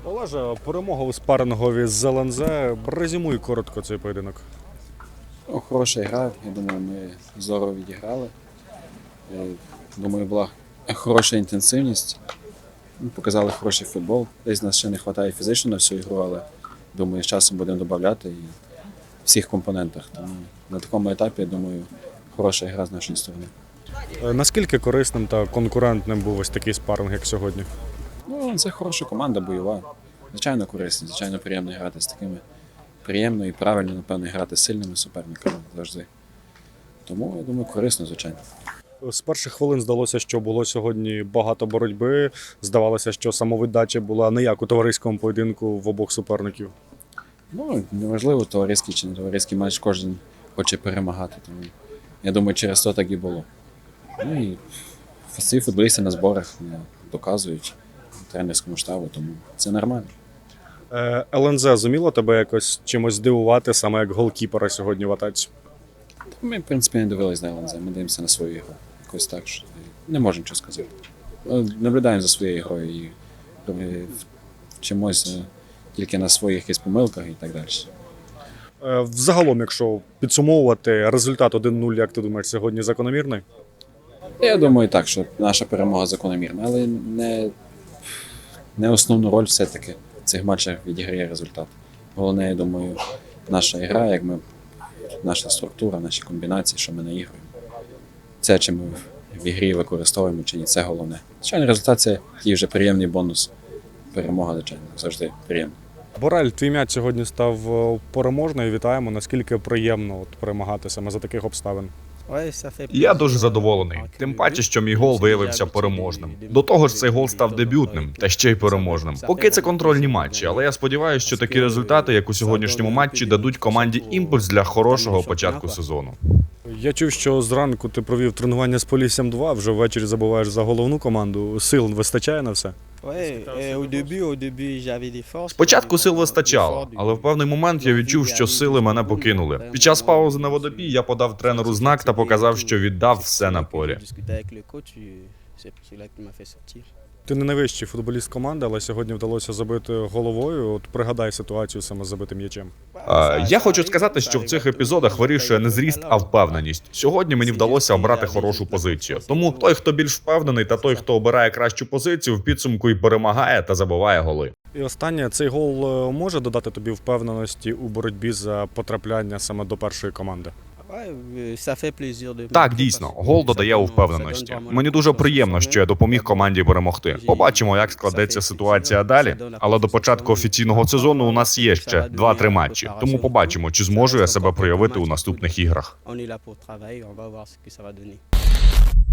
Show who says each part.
Speaker 1: Олеже, перемога у спаррингові з ЛНЗ. Резюмуй коротко цей поєдинок.
Speaker 2: Хороша гра, я думаю, ми здорово відіграли. Думаю, була хороша інтенсивність. Ми показали хороший футбол. Десь нас ще не вистачає фізично на всю ігру, але думаю, з часом будемо додати і в всіх компонентах. Тому на такому етапі, я думаю, хороша гра з нашої сторони.
Speaker 1: Наскільки корисним та конкурентним був ось такий спарринг, як сьогодні?
Speaker 2: Ну, це хороша команда, бойова. Звичайно, корисна, звичайно, приємно грати з такими. Приємно і правильно, напевно, грати з сильними суперниками завжди. Тому, я думаю, корисно, звичайно.
Speaker 1: З перших хвилин здалося, що було сьогодні багато боротьби. Здавалося, що самовіддача була не як у товариському поєдинку в обох суперників.
Speaker 2: Ну, неважливо, товариський чи не товариський матч, кожен хоче перемагати. Тому, я думаю, через то так і було. Ну і всі футболісти на зборах доказують тренерському штабу, тому це нормально.
Speaker 1: ЛНЗ зуміло тебе якось чимось здивувати, саме як голкіпера сьогодні в атаці?
Speaker 2: Ми, в принципі, не дивились на ЛНЗ, ми дивимося на свою ігру. Якось так, що не можемо нічого сказати. Наблюдаємо за своєю грою і вчимося тільки на своїх якихось помилках і так далі.
Speaker 1: Взагалом, якщо підсумовувати, результат 1-0, як ти думаєш, сьогодні закономірний?
Speaker 2: Я думаю так, що наша перемога закономірна, але не основну роль все-таки в цих матчах відіграє результат. Головне, я думаю, наша гра, як наша структура, наші комбінації, що ми наігруємо. Це, чи ми в ігрі використовуємо, чи ні, це головне. Звичайно, результат – це такий вже приємний бонус. Перемога, звичайно, завжди приємна.
Speaker 1: Борель, твій м'яч сьогодні став переможною. Вітаємо. Наскільки приємно перемагати саме за таких обставин?
Speaker 3: Я дуже задоволений. Тим паче, що мій гол виявився переможним. До того ж, цей гол став дебютним, та ще й переможним. Поки це контрольні матчі, але я сподіваюся, що такі результати, як у сьогоднішньому матчі, дадуть команді імпульс для хорошого початку сезону.
Speaker 1: Я чув, що зранку ти провів тренування з Поліссям 2, вже ввечері забуваєш за головну команду. Сил вистачає на все?
Speaker 3: Спочатку сил вистачало, але в певний момент я відчув, що сили мене покинули. Під час паузи на водопій я подав тренеру знак та показав, що віддав все на полі.
Speaker 1: Ти не найвищий футболіст команди, але сьогодні вдалося забити головою. От пригадай ситуацію саме з забитим м'ячем.
Speaker 3: Я хочу сказати, що в цих епізодах вирішує не зріст, а впевненість. Сьогодні мені вдалося обрати хорошу позицію. Тому той, хто більш впевнений, та той, хто обирає кращу позицію, в підсумку і перемагає та забиває голи.
Speaker 1: І останнє, цей гол може додати тобі впевненості у боротьбі за потрапляння саме до першої команди?
Speaker 3: Так, дійсно, гол додає у впевненості. Мені дуже приємно, що я допоміг команді перемогти. Побачимо, як складеться ситуація далі. Але до початку офіційного сезону у нас є ще 2-3 матчі. Тому побачимо, чи зможу я себе проявити у наступних іграх.